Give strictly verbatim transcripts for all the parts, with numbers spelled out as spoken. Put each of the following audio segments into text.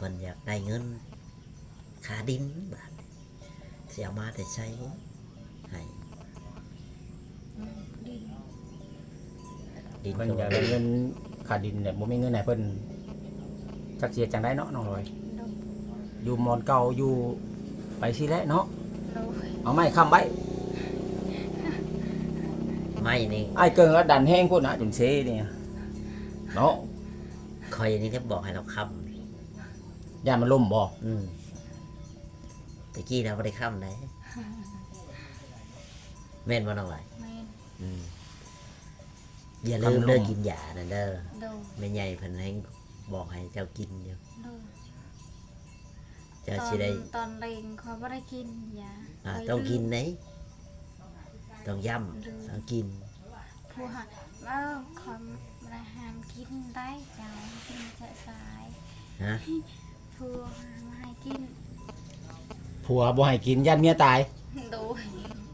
พิ่นอยากได้เงินค่าดินบาดสิเอามาแต่ใช้ให้ดินดินเพิ่นก็อยากได้เงินค่าดินเนี่ยบ่มีเงินให้เพิ่นจักเสียจังไดเนาะน้องลอยโดยอยู่มอนเก่าอยู่ไปสิแหละเนาะโดยเอาไม้ค้ำไว้ไม่นี่ไอ้เกิงก็ดันแห้งพุ่นน่ะจนเซเนี่ยเนาะคอยนี่ถ้าบอกให้เราค้ำย่านมันล่มบ่อืมตะกี้เราบ่ได้ค้ำได้แม่นบ่น้องหลายแม่นอืมอย่าลืมเด้อกินยานั่นเด้อโดยแม่ใหญ่เพิ่นให้บอกให้เจ้ากินอยู่โดยเจ้าตอสินได้ตอนเล็งเขาไม่ได้กินยาอ่าข้ยต้องกินลืมไหนต้องย่ำต้องกินผู้หาว่าเขาไม่ห้ามกินได้เจ้ากินจะสายฮะผู้หามาให้กินผัวบ่ให้กินย่านเมียตายโดย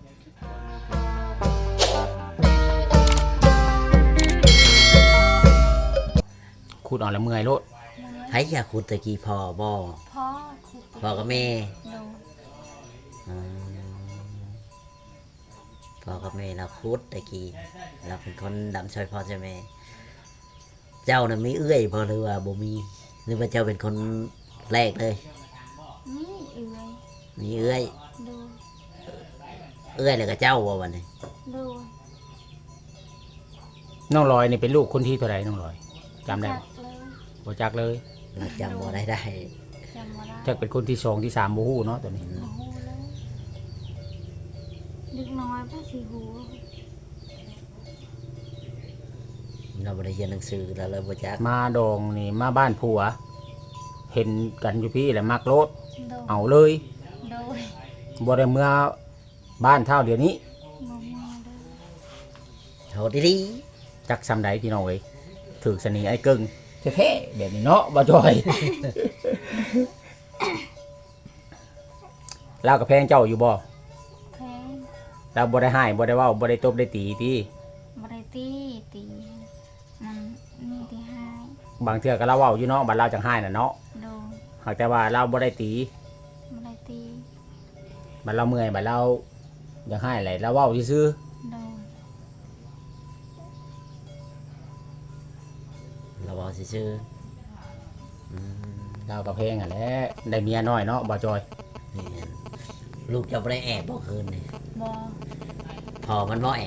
ขุดเออกแล้วเมื่อยโลดไผอยากขุดตะกี้พ่อบ่พ่อคุกพ่อกับแม่โดยอืมพ่อกับแม่เราขุดตะกี้เราเป็นคนดำช่วยพ่อช่วยแม่ เจ้าน่ะมีเอื้อยบ่หรือว่าบ่มีหรือว่าเจ้าเป็นคนแรกเลยนี่เอื่อยมีเอื้อยโดยเอื้อยแล้วก็เจ้าบ่วันนี้โดยน้องลอยนี่เป็นลูกคนที่เท่าไหร่น้องลอยจำได้จับ่กเลยบ่จักเลยเราจำบ่ได้ได้จำบ่ได้จักเป็นคนที่สองที่สามบ่ฮู้เนาะตัวนี้โอ้โหเลยดึกน้อยป้าสีหูเราบ่ได้เรียนหนังสือเราเลยบ่จักมาดองนี่มาบ้านผัว เห็นกันอยู่พี่แหละมักโลดโดยเอาเลยโดยบ่ได้เมื่อบ้านเท่าเดี๋ยวนี้มองมาเลยโหดีจักซำใดพี่น้องเอ้ยถูกสนีไอ้เกิงแท้ๆแบบนี้เนาะบ่จอย ลาวกับแพงเจ้าอยู่บ่แพงเราบ่ได้ให้บ่ได้เว้าบ่ได้ตบได้ตีติบริตีตีมันมีที่ให้บางเทื่อก็เราเว้าอยู่เนาะบัดเราจังให้น่ะเนาะโดยหากแต่ว่าเราบ่ได้ตีบริตีบัดเราเมื่อยบัดเราอยากให้อะไรเราเว้าซื่อโดยๆเราบอกซื่อๆอืมๆเรากับแพงอ่ะแหละได้เมียน้อยเนาะบ่จอยนี่ลูกจะบ่ได้แอบบ่คืนนี่บอพอมันบ่แอบ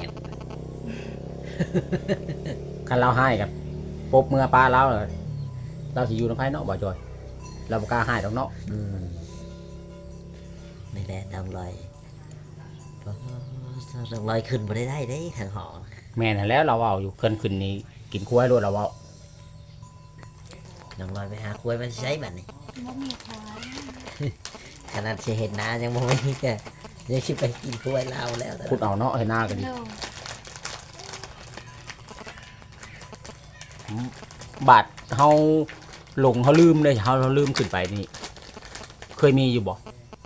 คันเราให้กับปบเมื่อป้าเราน่ะเราสิอยู่นำไผเนาะบ่จอย เราบ่กล้าให้ดอกเนาะอืมนี่แหละน้ำลอยน้ำลอยขึ้นบ่ได้ได้เด้ทางหอแม่นหั่นแล้วเราเว้าอยู่เพิ่นขึ้นนี่กินกล้วยโลดเราเว้าน้ำลอยไปหากล้วยมันใช้บัดนี่บ่มีควายขนาดสิเห็นหน้ายังบ่มีก็ยังสิไปกินกล้วยลาวแล้วขุดเอาเนาะให้หน้าก็ดีโดยบาดเฮาหลงเฮาลืมเลยเฮาเราลืมขึ้นไปนี่ เคยมีอยู่บ่บอ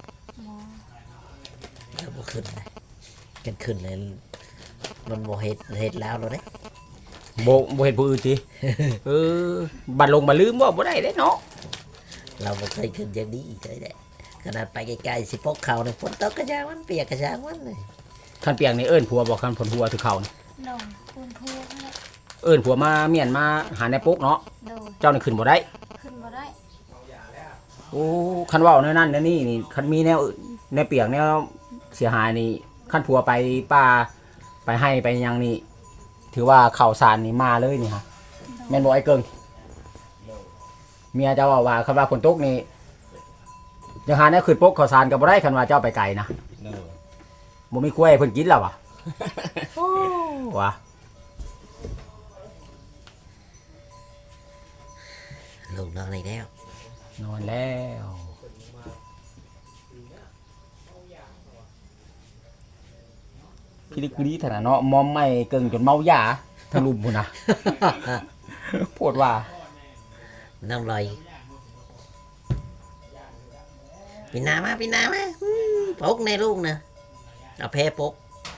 แล้วบ่ขึ้นเลยกันขึ้นเลยมันบ่เฮ็ดเฮ็ดแล้วเลยเด้บ่บ่เฮ็ดผู้อื่นติ เออบัดลงบัดลืมบ่บ่ได้เด้เนาะเราบ่เคยขึ้นอย่างนี้อีกเลยแหละขนาดไปไกลๆสิพกเขาเนี่ยฝนตกกระจางมันเปียกกระจางมันเลยคันเปียงนี่เอิ้นผัวบ่คันผลผัวถือเขานี่โดยปูนพูกเนี่ยเอิ้นผัวมาเมียนมาหาในปุ๊กเนาะโดยเจ้านี่ขึ้นบ่ได้ขึ้นบ่ได้โอ้คันเว้าแนวนั้นแนวนี้นี่คันมีแนวแนวเปียกแนวเสียหายนี่คันผัวไปป่าไปให้ไปหยังนี่ ถือว่าข่าวสารนี่มาเลยนี่ฮะ แม่นบ่ไอ้เกิงเมียเจ้าว่าว่าคันว่าฝนตกนี่ยังหาแนวขึ้นปุ๊กข่าวสารก็บ่ได้คันว่าเจ้าไปไกลนะบ่มีกล้วยให้เพิ่นกินแล้ววะ โอ้วะลูกนอนอีกแล้วนอนแล้วพี่ลิกลีถนะเนาะมอมไม่เกิงจนเมายาทะลุมพุ่นน่ะ ปวดว่าน้ำลอยปีนามาปีนามาอืมปกในลูกนะเอาแพ้ปก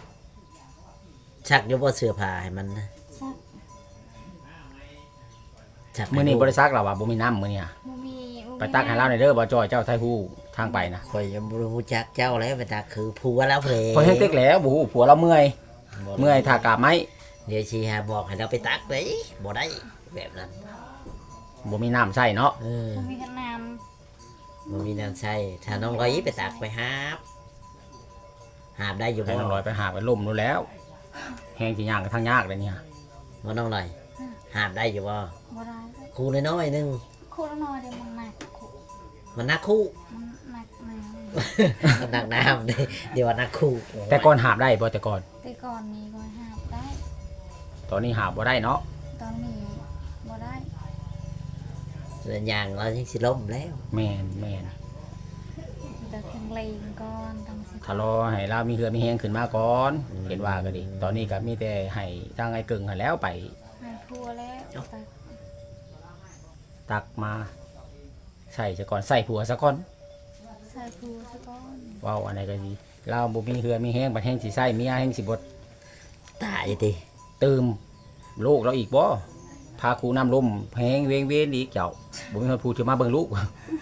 ชักอยบ่เสื้อผ้าให้มันนะซักชักให้มื้อนี้ลูกบ่ได้ซักแล้วว่ะบ่มีน้ำมื้อนี้อะบ่มีบ่ไปตักให้เราหน่อยเด้อบ่จอยเจ้าไทฮู้ทางไปนะข่อยยังบ่รู้จักเจ้าแล้วไปตักคือผัวแล้วเพลพอแห้งเต็กแล้วบ่ฮู้ผัวเราเมื่อยเมื่อยทากาบไม้เดี๋ยวชีหาบอกให้เราไปตักเลยบ่ได้แบบนั้นบ่มีน้ำใช้เนาะเออบ่มีกันน้บ่มีน้ำใช้ถ้าน้องร้อยไปตักไปหาบหาบได้อยู่ให้บ่น้องลอยไปหาไปล่มนู่นแล้วแห้งสิย่างก็ทางยากเลยเนี่ยบ่น้องร้อยหาบได้อยู่บ่ำบ่ได้ครูน้อยๆนึงคู่ละน้อยเดี๋ยวมันหนักคู่มันนักคู่มันหนักน้มันนักน้ำนี่เดี๋ยวว่านักคู่แต่ก่อนหาบได้บ่แต่ก่อนำแต่ก่อนนี้ก็หาบได้ตอนนี้หาบบ่ได้เนาะตอนนี้บ่ได้ส่วนอย่างเรายังสิล้มแล้วแม่นแม่นแต่แข็งแรงก่อนต้องสิถ้ารอให้เรามีเหือมีแห้งขึ้นมาก่อนเห็นว่าก็ดี ตอนนี้ก็มีแต่ให้ทางไอ้กึ่งหั้นแล้วไปให้พัวแล้วแต่ตักมาใส่ซะก่อนใส่ผัวซะก่อนใส่พัวซะก่อนเว้าอันไหนก็ดีเราบ่มีเหือมีแห้งบัดแห้งสิใส่เมียแห้งสิบ่ตายติตื่มลูกเราอีกบ่พาครูน้ำลมแห้งเวงเวนอีกเจ้าบ่มีคนพูดจะมาเบิ่งลูก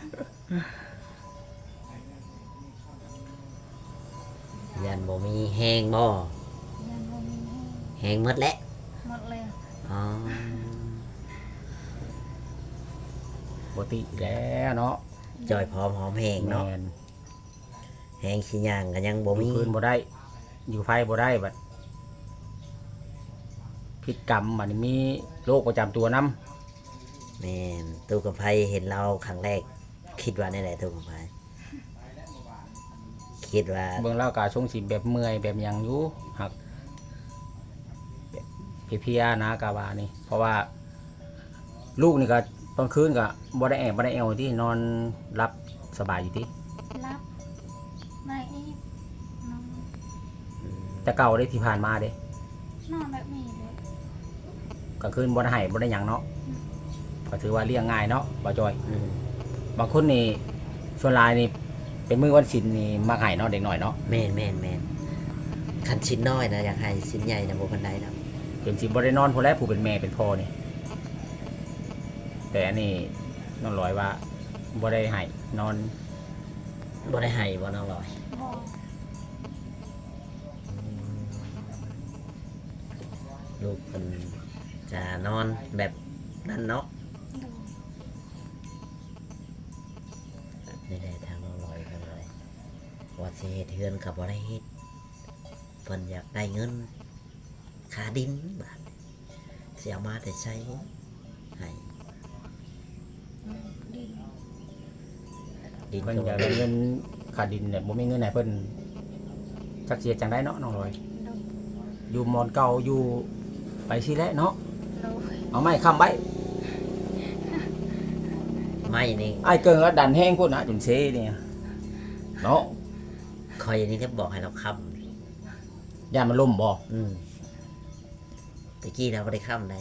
ยันบ่มีแห้งบ่ยังบ่มีให้แห้งหมดแล้วหมดเลยอ๋อบ่ติแล้วเนาะจอยพร้อมหอมแห้งแม่เนาะนแห้งขี้ย่างก็ยังบ่มีมีคืนบ่ได้ อยู่ไฟบ่ได้บัดพิษกรรมบัดนี้มีโรคประจำตัวนํแม่นตู้กับไผเห็นเราครั้งแรก คิดว่าในไหนตู้กับไผคิดว่าเบิ่งแล้วก็ทรงสิแบบเมื่อยแบบหยังอยู่หักแบบเพลียๆนะกะว่านี่ เพราะว่า ลูกนี่ก็ตอนคืนก็บ่ได้แอบบ่ได้แอวที่นอนรับสบายอยู่ที่รับมาอีกนอนแต่เก่าได้ที่ผ่านมาเด้นอนแบบนี้เลยกลางคืนบ่ได้ให้บ่ได้หยังเนาะก็ถือว่าเลี้ยงง่ายเนาะบ่จอยอืมบางคนนี่ส่วนหลายนี่เป็นมื้อวันศีลนี่มักให้เนาะเด็กน้อยเนาะแม่นแม่นแม่นคันชิ้นน้อยนะอยากให้ชิ้นใหญ่นะบ่ปานใดดอกจนสิบ่ได้นอนผู้แลผู้เป็นแม่เป็นพ่อนี่แต่อันนี้น้องลอยว่าบ่ได้ให้นอนบ่ได้ให้บ่น้องลอยบอกลูกเพิ่นจะนอนแบบนั้นเนาะดูนี่แหละทางน้องลอยเพิ่นเลยว่าสิเฮ็ดเฮือนก็บ่ได้เฮ็ดเพิ่นอยากได้เงินค่าดินบาดนี้สิเอามาแต่ใช้ให้ดินดินเพิ่นก็อยากบ่ได้เงินค่าดินเนี่ยบ่มีเงินให้เพิ่นจักเสียจังไดเนาะน้องลอยดูอยู่หมอนเก่าอยู่ไปสิแหละเนาะดูเอาไม้ค้ำไว้ไม่นี่ไอ้ายเกิงก็ดันแห้งพุ่นนะจนเซเนี่ยเนาะคอยนี่ก็บอกให้เราค้ย่ามันล่มบ่ำอืมตะกี้เราไม่ได้ค้ำเลย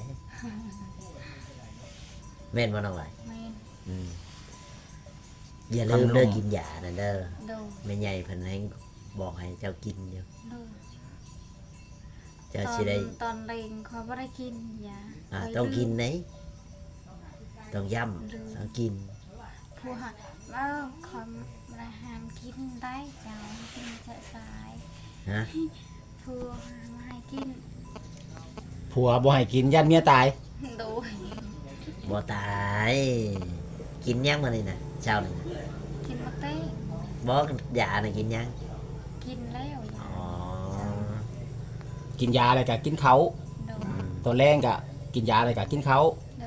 แม่นบ่น้องไหลายแม่นอืมอย่าลืมเลิกกินยานั่นเด้อดูแม่ใหญ่เพิ่นให้บอกให้เจ้ากินอยู่ดูเจ้าตอสินได้ตอนเล็งเขาไม่ได้กินยาอ่าเคยต้องกินลืมไหนต้องย่ำต้องกินผู้หาว่าคอมราหามกินได้เจ้ากินจะสายฮะผู้หามาให้กินผัวบ่ให้กินยันเมียตายดูบ่ตายกินยังมานี่นะเจ้านี่นะกินมาเต้บ่ยาน่ะกินยังกินแล้วยาอ๋อกินยาอะไรก็กินเขาดูอืมตัวแรงก็กินยาอะไรก็กินเขาดู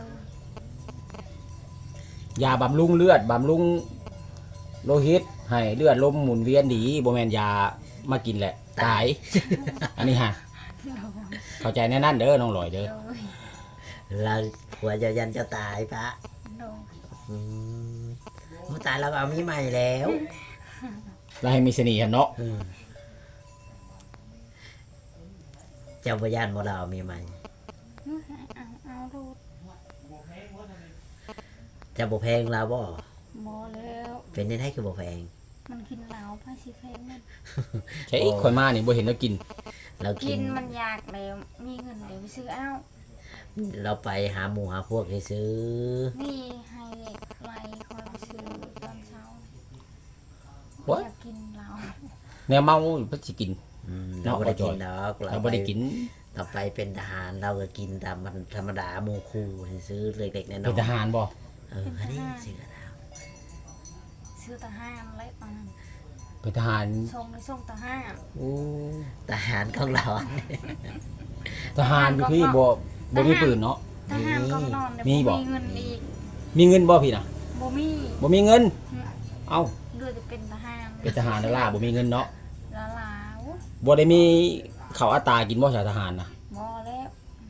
ยาบำรุงเลือดบำรุงโลหิตให้เลือดลมหมุนเวียนดีบ่แม่นยามากินแหละตาย อันนี้ฮะดูเข้าใจแน่นั่นเด้อน้องลอยเด้อดูเราผัวเจะยันเจ้าตายปะดูอืมผู้ตายเราก็เอามีใหม่แล้วแล้วให้มีเสน่ห์เนาะอืมเจ้าพยานบ่เราเอามีใหม่เอาเอารูดเจ้าบ่แพงเราบ่หมอแล้วเป็นได้ให้คือบ่แพงมันกินเหล้าพาสิเพงมันใช่คนมานี่บ่เห็นแล้วกินเรากิกินนมันอยากแล้วมีเงินเดี๋ยวไปซื้อเอาเราไปหาหมู่หาพวกให้ซื้อนี่ให้ไล่คอยซื้อตอนเช้า What? อยากกินเหล้าแนวเมาเพิ่นสิกินอืมเนาะเราบ่ได้กินดอกเราบ่ได้กินเราไปเป็นทหารเราก็กินตามมันธรรมดาหมู่คู่ซื้อเล็กๆน้อยๆเป็นทหารบ่เอออันนี้สิกระดาวซื้อทหารอะไรตอนนั้นเป็นทหารส่งในส่งทหารโอ้ทหารของเราทหารอยู่พี่บ่บ่มีปืนเนาะทหารก็นอนเนี่ยมีบ่มีเงินอีกมีเงินบ่พี่น่ะบ่มีบ่มีเงิน เอ้าเดือจะเป็นทหารเป็นทหารแล้วล่ะบ่มีเงินเนาะละลาวบ่ได้มีข้าวอัตรากินบ่ชาวทหารน่ะบ่แล้ว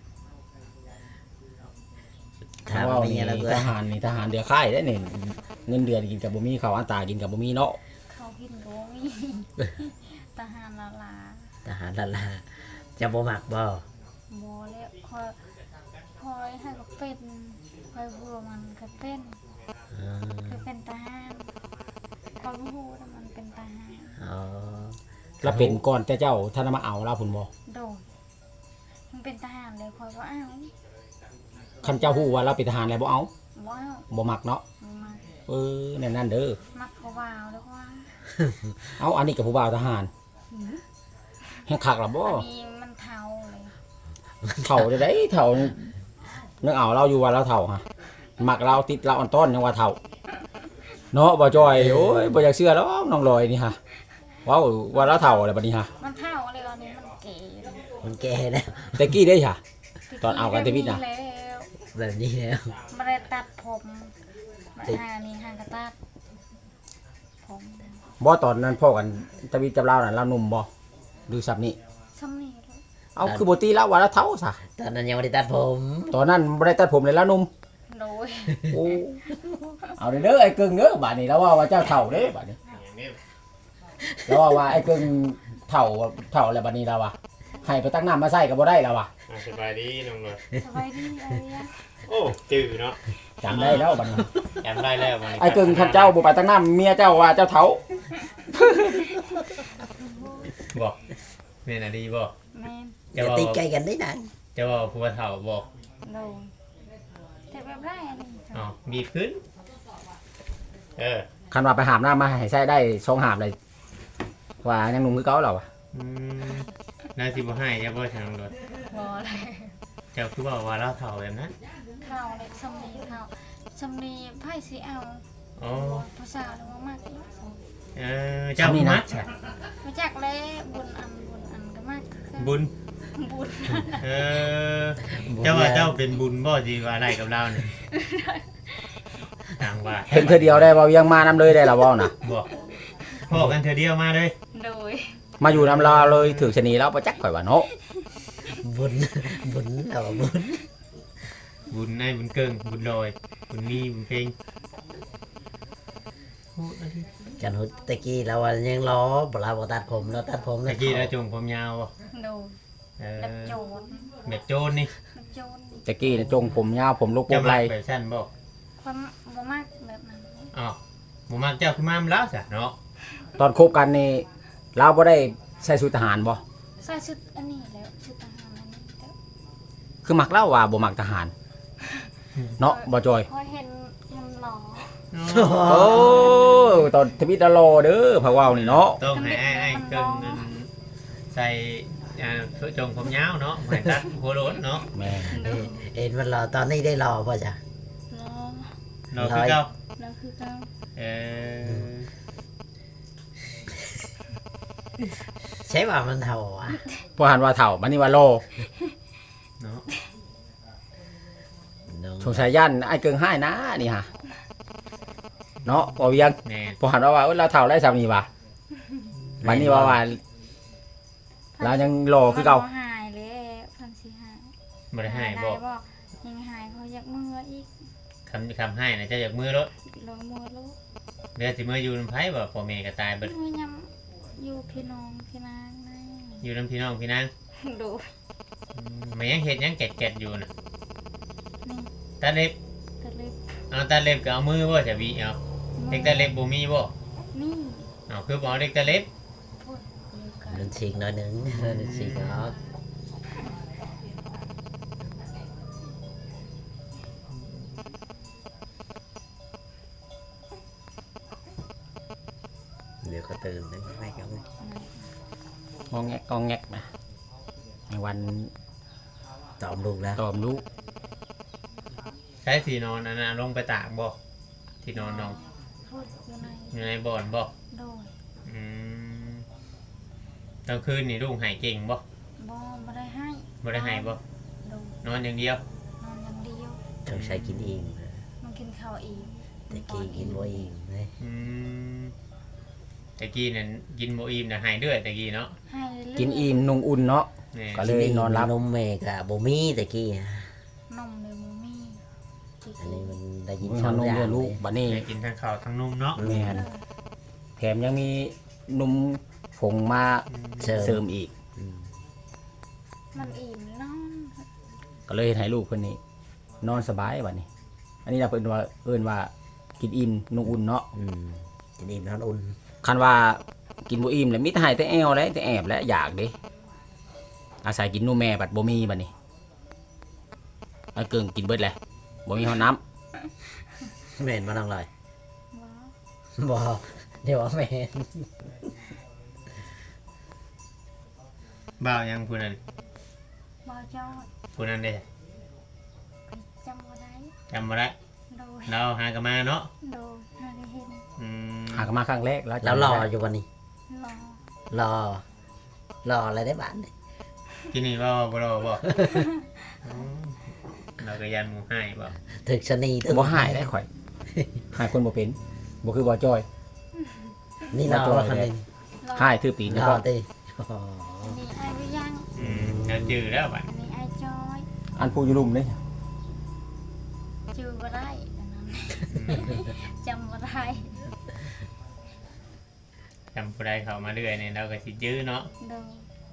ถามว่าเมีนี่ยแล้วก็ทหารนี่ทหารเดือค่ายได้นี่เงินเดือนกินกับบ่มีข้าวอัตรากินกับบ่มีเนาะเขากินก็บ่มี ทหารละลาทหารละลาจะบ่มักบ่บ่แล้วคอยคอยให้ก็เป็นคอยบัวมันก็เป็นอ๋อก็เป็นทหารเขารู้ว่ามันเป็นทหารอ๋อแล้วเป็นก่อนแต่เจ้าท่านมาเอาลาพุ่นบ่โดยมันเป็นทหารเลยคอยว่าอ้าวคันเจ้าฮู้ว่าเราเป็นทหารแล้วบ่เอาว้าวบ่มักเนาะมาเออแน่นนั่นเด้อมักเขาวาวแล้วว่าเอาอันนี้กับผู้บ่าวทหารแห่งคักล่ะบ่อันนี้มันเทาเลยเฒ่าได้ไดเฒ่านึกเอาเราอยู่ว่าเราเฒ่าฮะมักเราติดเราอ่อนต้อนยังว่าเฒ่าเนาะบ่จอยโอ้ยบ่อยากเชื่อหรอกน้องลอยนี่ฮะว้าวว่าเราเฒ่าแล้วบัดนี้ฮะมันเทาเลยอันนี้มันเก๋เลยมันแก่แล้วแต่กี้ได้ค่ะ ตอนเอากันเทวิตน่ะแล้วแบบนี้แล้วไม่ได้ตัดผมมาหานี่ห่างกระตัดผมบ่ตอนนั้นพ่อกันตะวิจับเราน่ะเราหนุ่มบ่ดูซับนี่ซ้ำนี่เลยเอาคือบ่ตีเราว่าเราเฒ่าซะตอนนั้นยังไม่ได้ตัดผมตอนนั้นบ่ได้ตัดผมเลยแล้วหนุ่มโดยโอ้เอาเด้อเด้อไอ้กึ่งเด้อบัดนี้แล้วว่าว่าเจ้าเฒ่าเด้บัดนี้แล้วว่าว่าไอ้กึ่งเฒ่าเฒ่าแล้วบัดนี้แล้วว่าให้ไปตั้งน้ำมาใส่ก็บ่ได้แล้วว่ะอ่ะสบายดีน้องหน่อยสบายดีอะไรอะโอ้จืดเนาะจำได้แล้วบัดนี้จำได้แล้ววันนี้ไอ้กึ่งคันเจ้าบ่ไปตั้งน้ำเมียเจ้าว่าเจ้าเฒ่าบอกเมนอะดีบอกแม่นอย่าตีไกลกันได้นานจะบอกผัวเฒ่าบอกโดยแต่แบบไรอันนี้อ๋อบีบขึ้น เออคันว่าไปหามน้ำมาให้ใส่ได้สองหามเลยว่ายังหนุ่มคือเก่าแล้วว่ะอืมนายสิบ่ให้จะบ่ทางรถบอเลยเจ้าคือบอกว่าเราเฒ่าแบบนั้นเท่าเลยซ้ำนี่เท่าซ้ำนี่ไพ่สีเอาอ๋อภาษาหรือว่ามากอีกเออเจ้ามัดใช่มาจากแล้วบุญอันบุญอันก็มากคือบุญบุญเออ เจ้าว่าเจ้าเป็นบุญบ่จีว่าอะไรกับเราเนี่ยต่างว่าเห็นเธอเดียวได้บ่ยังมานำเลยได้ล่ะบ่น่ะบอกพ่อกันเธอเดียวมาเลยโดยมาอยู่นำลาเลยถือชะนีแล้วบ่จักข่อยว่าเนาะบุญบุญเอาบุญบุญในบุญเกิงบุญลอยบุญมีบุญเพลงโอ้อันนี้กันหุตะกี้เรายังล้อบ่เราบ่ตัดผมเราตัดผมตะกี้เราจงผมยาวบ่โดยเออแบบโจรแบบโจรนี่แบบโจรตะกี้น่ะจงผมยาวผมลูกโป่เจ้างไหมัลกแบบสั้นบ่ความบ่มากแบบนั้นอ๋อหมูมักเจ้าคือมามแล้วจ้ะเนาะตอนคบกันนี่เราบ่ได้ใส่ชุดทหารบ่ใส่ชุดอันนี้แล้วชุดทหารอันนี้แล้วคือมักเล่าว่าบ่มักทหาร เนาะบ่จอยพอเห็นมันหล่อโอ้ตอนทวิตดารอเด้อพะเว้านี่เนาะต้องให้ไอ้ไอ้เกินนั่นใส่อ่าจงผมยาวเนาะให้ตัดหัวโล้นเนาะแม่โดยเอ็นมันรอตอนนี้ได้รอป่ะจ๊ะหล่อเราคือเก่าแล้วคือเขาเออใช่ว่ามันเท่าอ่ะพอหันว่าเฒ่าบัดนี้ว่าโลเนาะสงสัยย่านไอ้เกิงให้นะนี่ฮะเนาะบ่เวียงแม่นพอหันว่าว่าเอ้ยเราเฒ่าได้ซำนี่ว่ะบัดนี้ว่าว่าเรายังโลคือเก่ามันบ่หายเลยพันสิหายบ่ได้ให้บอกได้ยังหายเขาอยากมืออีกคำคำให้นะเจ้าอยากมือรถลงมือลูกเดี๋ยวสิมืออยู่นำไผบ่พ่อแม่ก็ตายเบิดมือยำอยู่พี่น้องพี่นางนะอยู่นำพี่น้องพี่นางดูอืมมันยังเฮ็ดยังแกะๆอยู่น่ะนี่ตาเล็บตะลึกเอาตาเล็บก็เอามือบ่จะวิเอาเด็กตาเล็บบ่มีบ่นี่เอาคือบ่เอาเด็กตาเล็บพูดอยู่กันมันฉีกหน้อยหนึงมันฉีกเนาะเดี๋ยวก็ตื่นนึกไม่กันงองแงกงองแงกนะในวันตอมลูกแล้วตอมลูกใช้ที่นอนอันน่ะลงไปตากบ่ที่นอนน้องพูดอยู่ในอยู่ในบ่อนบ่โดยอืมกลางคืนนี่ลูกหายเก่งบ่บ่บ่ได้ให้บ่ได้หายบ่โดยนอนอย่างเดียวนอนอย่างเดียวต้องใช้กินเองนะมันกินข้าวเองแต่กี้กินบ่เองเลยอืมตะกี้นั่นกินบ่อิ่มน่ะหายเดือดตะกี้เนาะให้เรื่อยๆกินอิ่มนุ่งอุ่นเนาะแม่ก็เลยนอนหลับนมแม่กับบ่มีแต่กี้นะนมเลยมูมี่ที่อันกินี้นมันได้ยินมีสของนมอย่างเลี้ยงลูกเลยบัดนี้ได้กินทั้งข้าวทั้งนมเนาะแม่นแถมยังมีนมผงมาเชิเสริญมอีกอืมมันอิ่มนอนก็เลยให้ลูกเพิ่นนี่นอนสบายบัดนี้ อันนี้เราเพิ่นว่าเอิ้นว่ากินอิ่มนุ่งอุ่นเนาะอืมกินอิ่มนอนอุ่นคันว่ากินบ่อิ่มแล้วมีแต่ให้แต่แอวแล้วแต่แอบและอยากเด้อาศัยกินนมแม่บัดบ่มีบัดนี้ไอ้เกิงกินเบิดแหละบ่มีห้องน้ำแม่นมาน้องลอยว้าวบ่เดี๋ยวว่าแม่นบ่าวยังผู้นั้นบ่จอยผู้นั้นเด้จำบ่ได้จำบ่ได้โดยเราหากันมาเนาะโดยหาได้เห็นอืมหากนมาครั้งแรกแล้วแล้วรออยู่วันนี้รอรอ รออะไรได้บ้านนี่ที่นี่บ่บ่รอบ่อืมเราก็ยันหมู่ให้บ่ถึกชะนีถึกบ่หายได้ข่อยหายคนบ่เป็นบ่คือบ่จอยนี่รอว่าคันนึงรอหายถือตีนรเฉอพาะติอันนี้ไอ้วิยังอืมแล้วจื้อแล้วบัดอันนี้ไอ้จอยอันผู้อยู่ลุ่มนี่จือบ่ได้อันนั้นจำบ่ได้จำผู้ใดเข้ามาเรื่อยเนี่ยเราก็สิจื้อเนาะโดย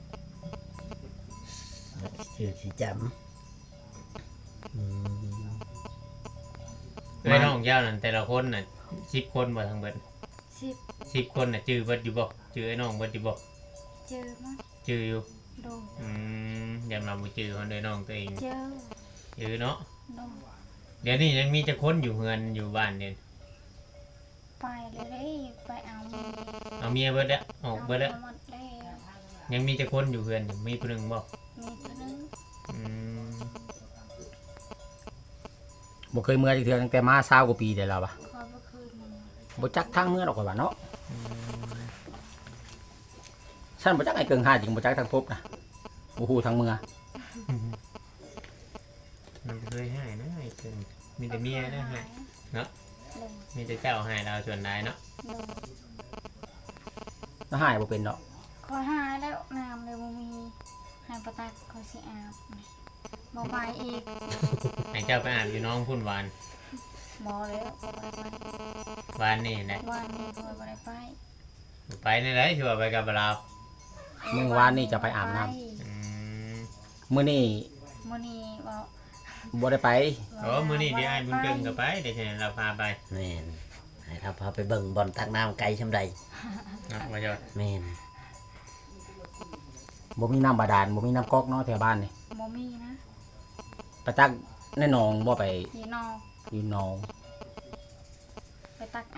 ชื่อสิจำอืมเอ้ยน้องเจ้านั่นแต่ละคนน่ะสิบคนบ่ทั้งเบิดสิบสิบคนน่ะจื้อเบิดอยู่บ่จื้อไอ้น้องเบิดอยู่บ่เจอมั้งจื้ออยู่โดยอืมยามเราบ่จื้อคนเด้อน้องตัวเองเจอจื้อเนาะโดยเดี๋ยวนี้ยังมีจะคนอยู่เฮือนอยู่บ้านเนี่ยไปเลยเด้ไปเอามือเอาเมียเบิดแล้วออกเบิดแล้วหมดแล้วยังมีจะคนอยู่เฮือนอยู่มีผู้หนึงบ่มีเท่านึงอืมบ่เคยเมื่อจักเทื่อตั้งแต่มาเศร้ากว่าปีได้แล้ววะคอยเมื่อคืนนี้บ่จักทางเมื่อดอกว่าเนาะฉันบ่จักไอ้เกิงหาจริงบ่จักทางพบนะบ่ฮู้ทางเมื่อมันเคยให้นะไอ้เกินมีแต่เมียนะให้เนาะมีแต่เจ้าให้เราส่วนใดเนาะโดยแล้วหายบ่เป็นเนาะคอยหายแล้วน้ำเลยบ่มีหายประตักคอยสิอาบบ่ไปอีกให้เจ้าไปอาบอยู่น้องพุ่นหวานบ่แล้วบ่ได้ไปหวานนี่แหละวันนี้คอยบ่ได้ไปไปในไรชัวร์ไปกับเราเมื่อวานนี่จะไปอาบน้ำไปอืมมื้อนี้มื้อนี้บ่บ่ได้ไปโอ้มื้อนี้เดี๋ยวไอ้บุญเกิงก็ไปเดี๋ยวเราพาไปแม่นให้เราพาไปเบิ่งบอลตักน้ำไกลชำใดนะว่าจะแม่นบ่มีน้ำบาดาลบ่มีน้ำก๊อกเนาะแถวบ้านนี่บ่มีนะไปตักในหนองบ่ไปพี่น้องอยู่หนองไปตักเอา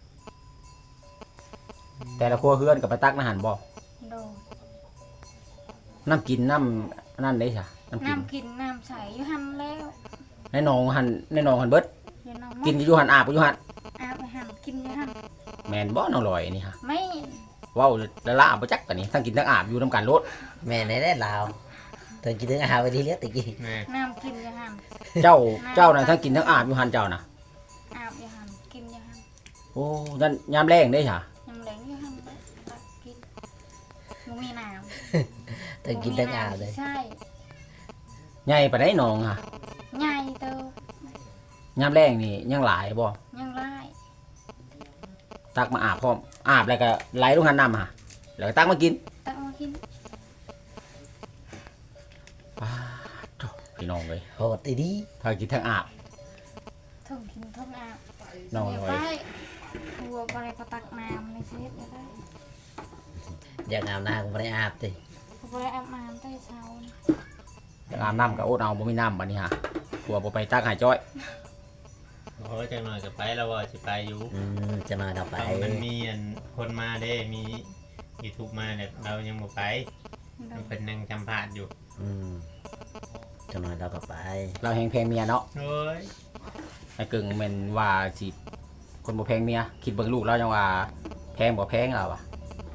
แต่ละครัวเฮือนก็ไปตักในหันบ่โดยน้ำกินน้ำนั่นเด้จ้ะน้ำกินน้ำกินน้ำใสอยู่หั่นแล้วในหนองหันในหนองหันเบิดอยู่น้องกินอยู่หันอาบอยู่หันอาบไปหั่นกินอยู่หั่นแม่นบ่น้องลอยนี่ฮะไม่เว้าละละบ่จักปานนี้ทั้งกินทั้งอาบอยู่นํกันโลดแม่นได้ได้ลาวตอนกินถึงอาหารไปทีเลี้ยตะกี้แม่น้ำกินอยู่หั่นเจ้าเจ้าน่ะทั้งกินทั้งอาบอยู่หันเจ้าน่ะอาบอยู่หั่นกินอยู่หั่นโอ้ยันยามแรงเด้จ้ะยำแหลงอยู่หั่นตักกินบ่มีน้ำตอนกินถึงอาหารเลยใช่ใหญ่ปานใดหนองฮะใหญ่เติบยามแรงนี่ยังหลายบ่ยังไล่ตักมาอาบพร้อมอาบแล้วก็ไหลลงหันน้ำฮะแล้วก็ตักมากินตักมากินป้าดโถ่พี่น้องเอ้ยโหดอีดีทั้งกินทั้งอาบถึงกินถึงอาบน้องเดี๋ยวลไปอยทัวบ่ได้ก็ตักน้ำเลยเช็ดก็ได้อยากอาบน้ำก็ไม่ได้อาบติบ่ได้อาบน้ำแต่เช้านี่อยากอาบน้ำก็อดเอาบ่มีน้ำบัดนี้ฮะกลัวบ่ไปตักให้จ้อยโอ้ยจังหน่อยก็ไปแล้วว่าสิไปอยู่อืมจะมาเราไปต้องมันมีอันคนมาเด้มียูทูบมาเนี่ยเรายังบ่ไปโดมันยเป็นนังจำพาดอยู่อืมจะมาเราก็ไปเราแฮงแพงเมียเนาะโอ้ยไอ้กึ่งแม่นว่าสิคนบ่แพงเมียคิดเบิ่งลูกเราจังว่าแพงบ่แพงเอาอะ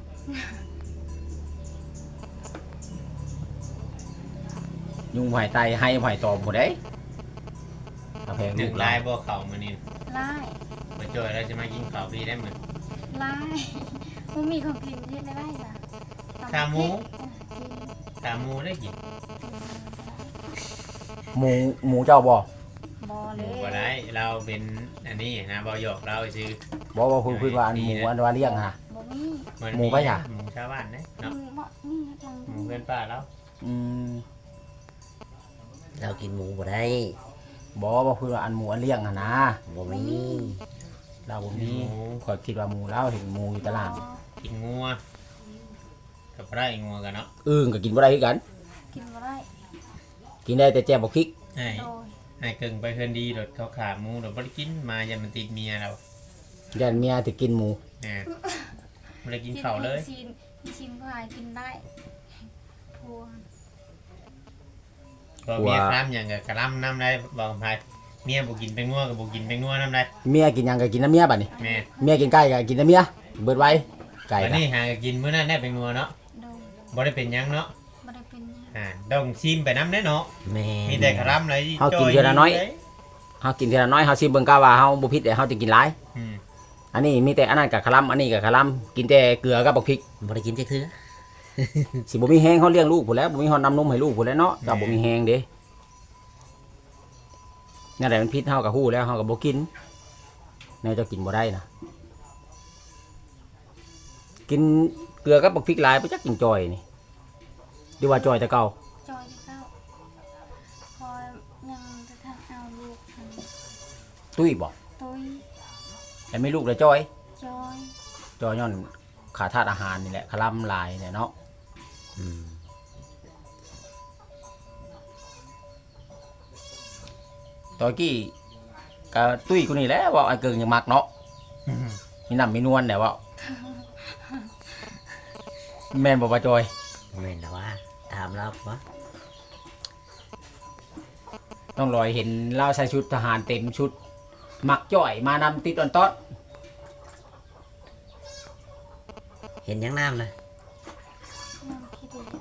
ยุงบ่ให้ไตให้บ่ให้ตอมบ่ได้เราแพงหลูนึ่งกเราลายบ่เข่ามานี่ไล่มาจอยเราจะมากินข้าวพี่ได้เหมือนไล่มันมีของกินที่ได้ไล่จ้ะขาหมูกินขาหมูได้กินหมูหมูเจ้าบ่บอหเลมูยบ่ได้เราเป็นอันนี้นะบ่หยอกเราซื้อบ่ว่าพูดพูดว่าอันหมูอันว่าเลี้ยงฮะบอมีมันหมูปะจ๊ะหมูชาวบ้านนะอืเนาะมบ่นี่ทางหมูเพื่อนป้าเราอืมเรากินหมูบ่ได้บ่ว่าพูดว่าอันหมูอันเลี้ยงหั่นนะบ่มีเราบ่หมีมูข่อยคิดว่าหมูเราเห็นหมูอยู่ตารางกินงัวกับไรงัวกันเนาะอึ่งก็กินบ่ได้คือกันกินบ่ได้กินได้แต่แจ่วบ่พริกไอ้โดยไอ้เกิงไปเพื่อนดีโดดเขาขาหมูโดดบ่ได้กินมายันมันติดเมียเรายันเมียสิกินหมูแหมไม่ได้กินข้าวเลยชินชินพายกินได้พัวพอเมียคล้ำอย่างกับกระลำน้ำได้บอกพายเมียบ่กินเป็นงัวกับบ่กินเป็นงัวน้ำได้เมียกินหยังก็กินน้ำเมียบัดนี้แม่เมียกินไก่ก็กินน้ำเมียเบิดไว้ไก่วันก็นี้หากินมื้อนั้นได้เป็นงัวเนาะโดยบ่ได้เป็นหยังเนาะบ่ได้เป็นหยังอ่าต้องชิมไปน้ำแน่เนาะแม่มีแต่กระลำเลยเฮากินเทื่อละน้อยเฮากินเทื่อละน้อยเฮาสิเบิ่งกะว่าเฮาบ่ผิดแต่เฮาจะกินหลายอืมอันนี้มีแต่อันนั้นกับคลำอันนี้กับคลำกินแต่เกลือกับบักพริกบ่ได้กินจักเทื่อสิบ่มีแฮงเขาเลี้ยงลูกพุ่นแหล้วบ่มีฮอนน้ำนมให้ลูกพุ่นแหล้วเนาะเจ้าบ่มีแฮงเด้นั่นแหละมันพิษเฮากับฮู้แล้วเฮาก็บ่กินแนวเจ้ากินบ่ได้นะกินเกลือกับบักพริกหลายบ่จักกินจอยนี่ดีว่าจอยแต่เก่าจอยที่เก้าคอยยังจะทำเอาลูกทตุ้ยบ่ำตุ้ยแต่ไม่ลูกแล้วจอยจอยจอยย้อนขาดธาตุอาหารนี่แหละคลำหลายเนี่ยเนาะอืมตอยกี้ก็ตุ้ยกูนี่แหละว่าไอ้เกิงยังมักเนาะอืมมีน้ำมีนวลแต่ว่า แม่นบ่ว่าจอยแม่นแล้วว่าถามเราว่าต้องรอยเห็นเล่าใส่ชุดทหารเต็มชุดมักจ่อยมานำติดตอนต้นเห็นยังน้ำเลยน้ำขี้เดียด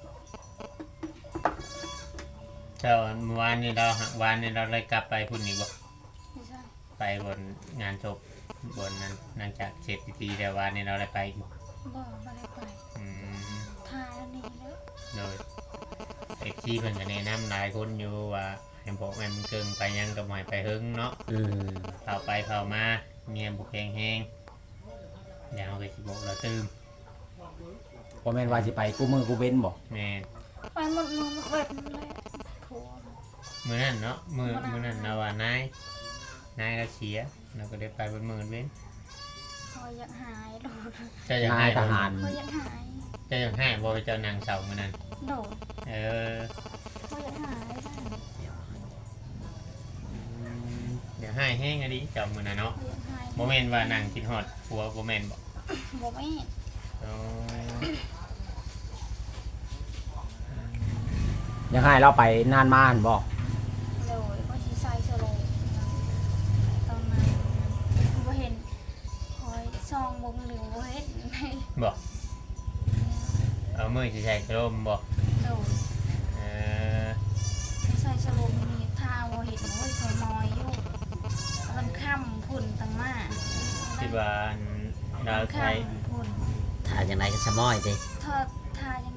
เจ้าเมื่อวานนี้เราหักวานนี้เราเลยกลับไปพุ่นนี่บ่ไม่ใช่ไปบนงานศพบนนั้นหลังจากเสร็จพิธีแต่วานนี้เราเลยไปบ่บ่ไม่ได้ไปอืมทายแล้วนี่แล้วโดยเอฟซีเพิ่นก็แนะนำหลายคนอยู่ว่าให้บอกแม่มันเกิงไปยังกับหมอยไปหึงเนาะอืมเผาไปเผามาเมียบุกแหงแหงเดี๋ยวเราก็สิบอกเราตื่มบ่แม่นว่าสิไปกูมือกูเว้นบ่แม่นไปหมดมือหมดเวทเลยพัวมื้อนั้นเนาะมื้อมื้อนั้นเราว่านายนายเราเสียเราก็ได้ไปบนมื้อนั้นเว้นคอยอยากหายโดดเจ้าอยากนายให้ทบ่หารคอยอยากหายเจ้าอยากให้บ่ไปเจ้านางเสามื้อนั้นโดดเออคอยอยากหายได้อืมเดี๋ยวให้แห้งอะดิเจ้ามื้อนั้นเนาะคอยอยากหายบ่แม่นว่านางคิดฮอดผัวบ่แม่นบ่บ่ไม่อ๋อยังให้เราไปนานมาหั่นบ่เลยก็ชีใส่สโลงตอนนั้นบ่เห็นคอยซองวงหรือบ่เห็นบ่เอามือสิใช้กระโลมบ่โดดเออใส่สโลงนี่ทาบ่เห็นโอ้ยใส่มอยอยู่มันค่ำพุ่นตั้งมาคิดว่าอันเราใช้ค่ำพุ่นถ่ายยังไงก็สมอยดิทอดทายัง